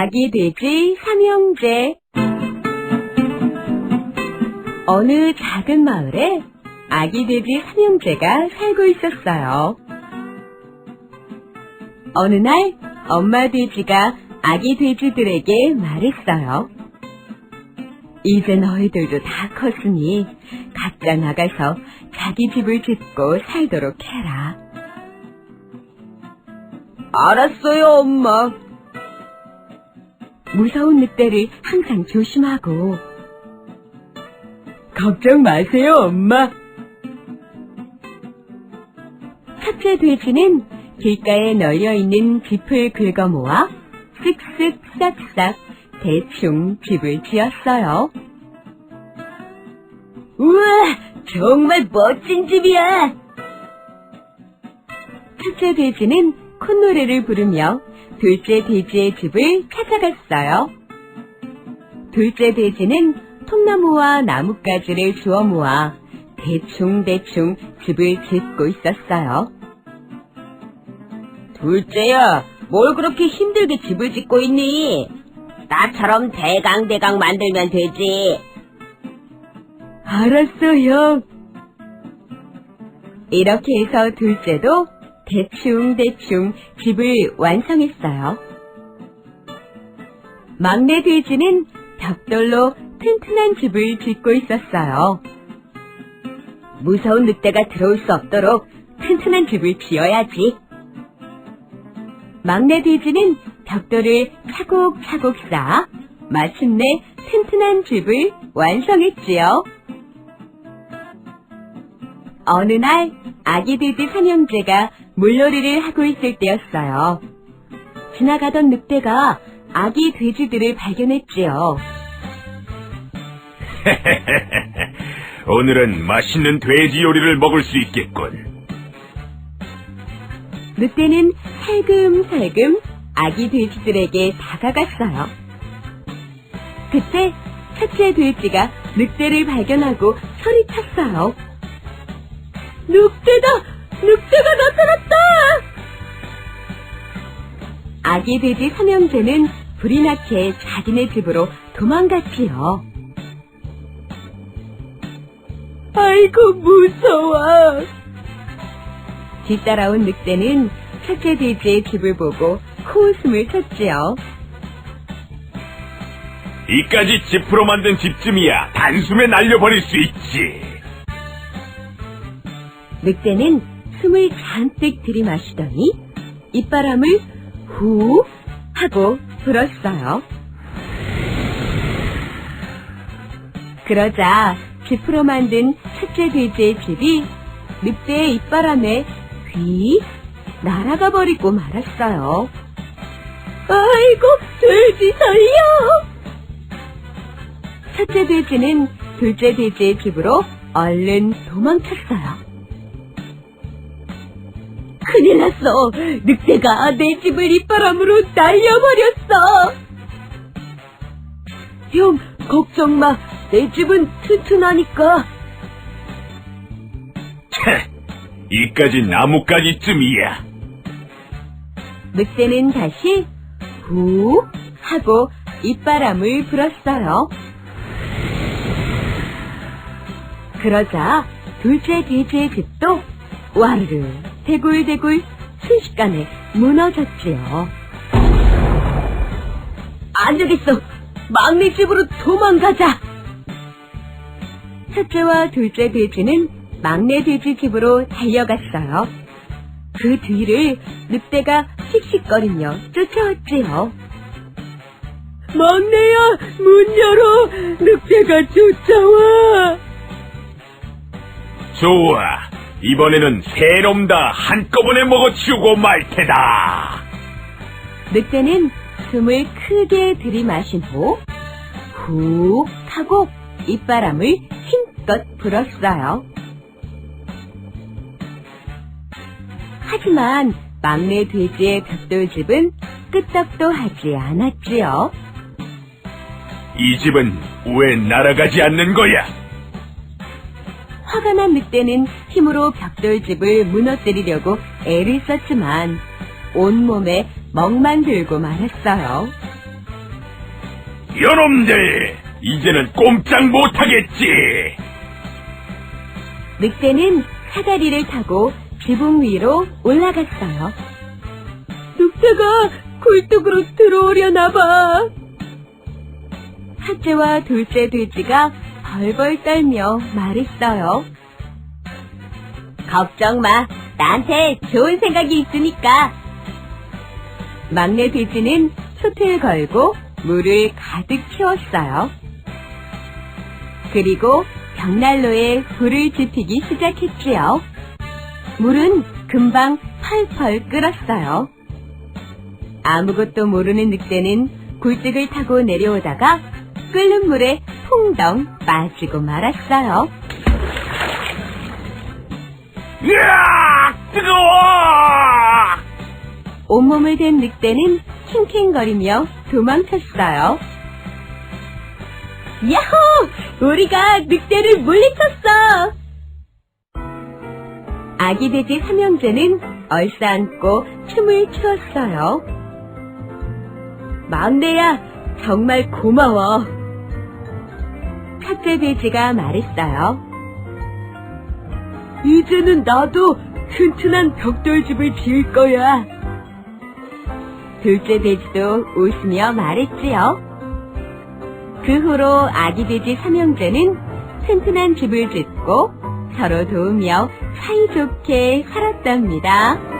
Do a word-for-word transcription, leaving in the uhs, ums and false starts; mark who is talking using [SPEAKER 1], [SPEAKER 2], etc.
[SPEAKER 1] 아기 돼지 삼형제. 어느 작은 마을에 아기 돼지 삼형제가 살고 있었어요. 어느 날 엄마 돼지가 아기 돼지들에게 말했어요. 이제 너희들도 다 컸으니 각자 나가서 자기 집을 짓고 살도록 해라. 알았어요, 엄마. 무서운 늑대를 항상 조심하고. 걱정 마세요, 엄마. 첫째 돼지는 길가에 널려있는 짚을 긁어 모아 쓱쓱 싹싹 대충 집을 지었어요. 우와, 정말 멋진 집이야. 첫째 돼지는 콧노래를 부르며 둘째 돼지의 집을 찾아갔어요. 둘째 돼지는 통나무와 나뭇가지를 주워 모아 대충대충 집을 짓고 있었어요. 둘째야, 뭘 그렇게 힘들게 집을 짓고 있니? 나처럼 대강대강 만들면 되지. 알았어, 형. 이렇게 해서 둘째도 대충대충 집을 완성했어요. 막내 돼지는 벽돌로 튼튼한 집을 짓고 있었어요. 무서운 늑대가 들어올 수 없도록 튼튼한 집을 지어야지. 막내 돼지는 벽돌을 차곡차곡 쌓아 마침내 튼튼한 집을 완성했지요. 어느 날 아기 돼지 삼형제가 물놀이를 하고 있을 때였어요. 지나가던 늑대가 아기 돼지들을 발견했지요.
[SPEAKER 2] 오늘은 맛있는 돼지 요리를 먹을 수 있겠군.
[SPEAKER 1] 늑대는 살금살금 아기 돼지들에게 다가갔어요. 그때 첫째 돼지가 늑대를 발견하고 소리쳤어요. 늑대다! 늑대가 나타났다! 아기 돼지 삼형제는 불이 나게 자기네 집으로 도망갔지요. 아이고, 무서워. 뒤따라온 늑대는 첫째 돼지의 집을 보고 코웃음을 쳤지요.
[SPEAKER 2] 이까지 짚으로 만든 집쯤이야 단숨에 날려버릴 수 있지.
[SPEAKER 1] 늑대는 숨을 잔뜩 들이마시더니 입바람을 후 하고 불었어요. 그러자 짚으로 만든 첫째 돼지의 집이 늑대의 입바람에 휘 날아가 버리고 말았어요. 아이고, 돼지 살려! 첫째 돼지는 둘째 돼지의 집으로 얼른 도망쳤어요. 큰일 났어! 늑대가 내 집을 입바람으로 날려버렸어! 형, 걱정 마. 내 집은 튼튼하니까.
[SPEAKER 2] 차, 이까지 나뭇가지쯤이야.
[SPEAKER 1] 늑대는 다시 후 하고 입바람을 불었어요. 그러자 둘째 돼지의 집도 와르르 대굴대굴 순식간에 무너졌지요. 안 되겠어! 막내 집으로 도망가자! 첫째와 둘째 돼지는 막내 돼지 집으로 달려갔어요. 그 뒤를 늑대가 씩씩거리며 쫓아왔지요. 막내야, 문 열어! 늑대가 쫓아와!
[SPEAKER 2] 좋아, 이번에는 세 놈 다 한꺼번에 먹어치우고 말 테다.
[SPEAKER 1] 늑대는 숨을 크게 들이마신 후 훅 하고 입바람을 힘껏 불었어요. 하지만 막내 돼지의 벽돌집은 끄떡도 하지 않았지요.
[SPEAKER 2] 이 집은 왜 날아가지 않는 거야?
[SPEAKER 1] 화가 난 늑대는 힘으로 벽돌집을 무너뜨리려고 애를 썼지만 온몸에 멍만 들고 말았어요.
[SPEAKER 2] 여놈들, 이제는 꼼짝 못하겠지.
[SPEAKER 1] 늑대는 사다리를 타고 지붕 위로 올라갔어요. 늑대가 굴뚝으로 들어오려나 봐. 첫째와 둘째 돼지가 벌벌 떨며 말했어요. 걱정 마, 나한테 좋은 생각이 있으니까. 막내 돼지는 솥을 걸고 물을 가득 채웠어요. 그리고 벽난로에 불을 지피기 시작했지요. 물은 금방 펄펄 끓었어요. 아무것도 모르는 늑대는 굴뚝을 타고 내려오다가 끓는 물에 풍덩 빠지고 말았어요.
[SPEAKER 2] 으악! 뜨거워!
[SPEAKER 1] 온몸을 댄 늑대는 킹킹거리며 도망쳤어요. 야호! 우리가 늑대를 물리쳤어! 아기 돼지 삼형제는 얼싸안고 춤을 추었어요. 막내야, 정말 고마워. 첫째 돼지가 말했어요. 이제는 나도 튼튼한 벽돌집을 지을 거야. 둘째 돼지도 웃으며 말했지요. 그 후로 아기 돼지 삼형제는 튼튼한 집을 짓고 서로 도우며 사이좋게 살았답니다.